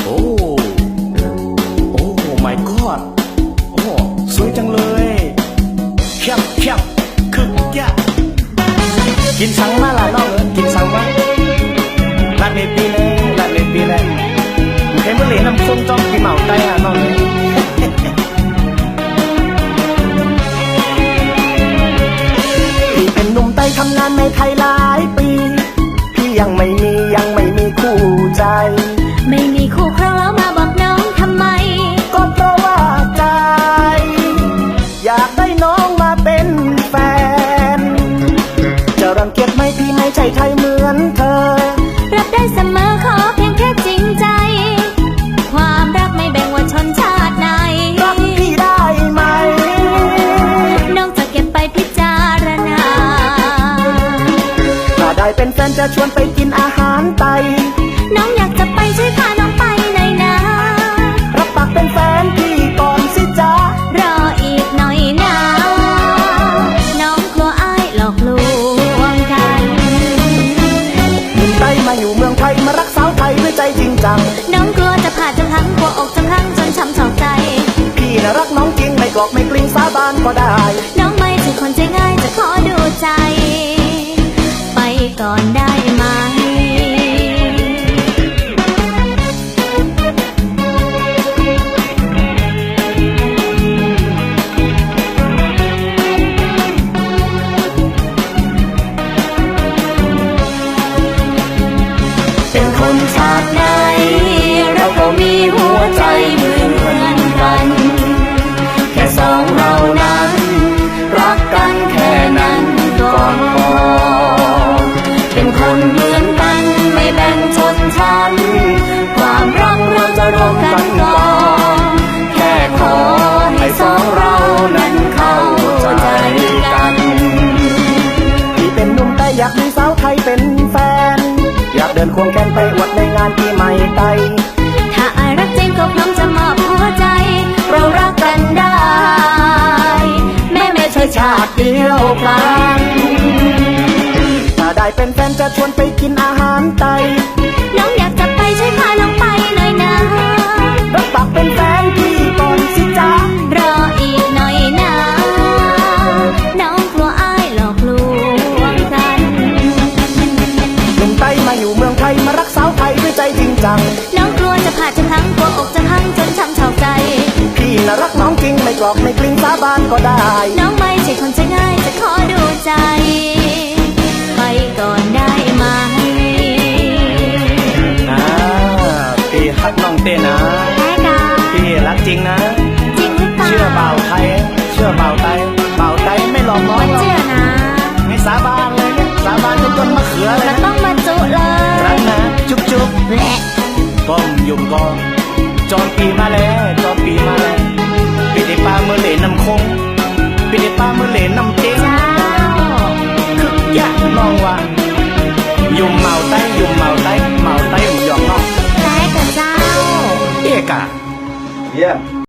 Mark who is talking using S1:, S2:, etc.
S1: โอ้โอ้ my god โอ้สวยจังเลยแคบแคบคึกยะกินสังมาละน้องกินสังมาลาดเมปีเลยลาดเมปีเลยใครเมื่อเหรียญน้ำส้มจ้องปีเหมาได้อ่ะน้องเลยพี่เป็นหนุ่มไต้ทำงานในไทยหลายปีพี่ยังไม่มีคู่ใจ
S2: ไม่มีคู่ครองแล้วมาบอกน้องทำไม
S1: ก็เพราะว่าใจอยากได้น้องมาเป็นแฟนจะรังเกียจไหมพี่ไม่ใช่ไทยเหมือนเธอ
S2: รับได้เสมอขอเพียงแค่จริงใจความรักไม่แบ่งว่าชนชาติไหน
S1: รักพี่ได้ไหม
S2: น้องจะเก็บไปพิจารณา
S1: ถ้าได้เป็นแฟนจะชวนไปกินอาหารไทย
S2: น้องอยากจะไปช่วยพาน้องไปหน่อยนะ
S1: รับปากเป็นแฟนพี่ก่อนสิจ๊ะ
S2: รออีกหน่อยนะน้องกลัวอ้ายหลอกลวงกัน
S1: หนุ่มไต้มาอยู่เมืองไทยมารักสาวไทยด้วยใจจริงจัง
S2: น้องกลัวจะผ่าจะพังกลัวอกจะพังจนช้ำชอกใจ
S1: พี่น่ะรักน้องจริงไม่กลอกไม่กลิ้งสาบานก็ได้
S2: น้องไม่ใช่คนใจง่ายจะขอดูใจไปก่อนได้ไหมเป็นคนชาติไหนเราก็มีหัวใจเหมือนกันแค่สองเรานั้นรักกันแค่นั้นก็พอเป็นคนเหมือนกันไม่แบ่งชนชั้นความรักเราจะร่วมกันก่อนแค่ขอให้สองเรานั้นเข้าใจกัน
S1: พี่เป็นหนุ่มไต้อยากมีสาวไทยเป็นแฟนอยากเดินควงแขนไปอวดในงานปีใหม่ไต้
S2: ถ้าอายรักจริงก็พร้อมจะมอบหัวใจเรารักกันได้แม้ไม่ใช่ชาติเดียวกัน
S1: ถ้าได้เป็นแฟนจะชวนไปกินอาหารไต้
S2: น้องอยากจะไปช่วยพาน้องไปหน่อยนะ
S1: รับปากเป็นแฟนพี่ก่อนสิจ๊ะ
S2: รออีกหน่อยนะน้องกลัวอ้ายหลอกลวงกัน
S1: หนุ่มไต้มาอยู่เมืองไทยมารักสาวไทยด้วยใจจริงจัง
S2: น้องกลัวจะผ่าจะพังกลัวอกจะพังจนช้ำชอกใจ
S1: พี่น่ะรักน้องจริงไม่กลอกไม่กลิ้งสาบานก็ได้
S2: น้องไม่ใช่คนใจง่ายจะขอดูใจไปก่อนได้ไหม
S1: พี่รักน้องเต้นะพี่รักจริงนะ
S2: จริงหรือเปล่า
S1: เชื่อเบาไทยเชื่อเบาไทยเบาไทยไม่หลอกน้องหรอก
S2: เชื่อนะ
S1: ไม่สาบานเลยเนี่ยสาบานจนต้นมะเขือเลย
S2: นะต้องมาจุเลย
S1: รักนะจุ๊บจุ๊บ
S2: แหละ
S1: ป้อมยุ่มกองจอนปีมาแล้วจอนปีมาแล้วปีได้ปลาเมื่อเหล่น้ำคงปีได้ปลาเมื่อเหล่น้ำเจ๊งคึกยะน้องว่ายุ่มเมาไต้ยุ่มเมาไต้เมาไต้หมูหยองน้อง
S2: แต่กับเจ้า
S1: เอกะเยี่ยม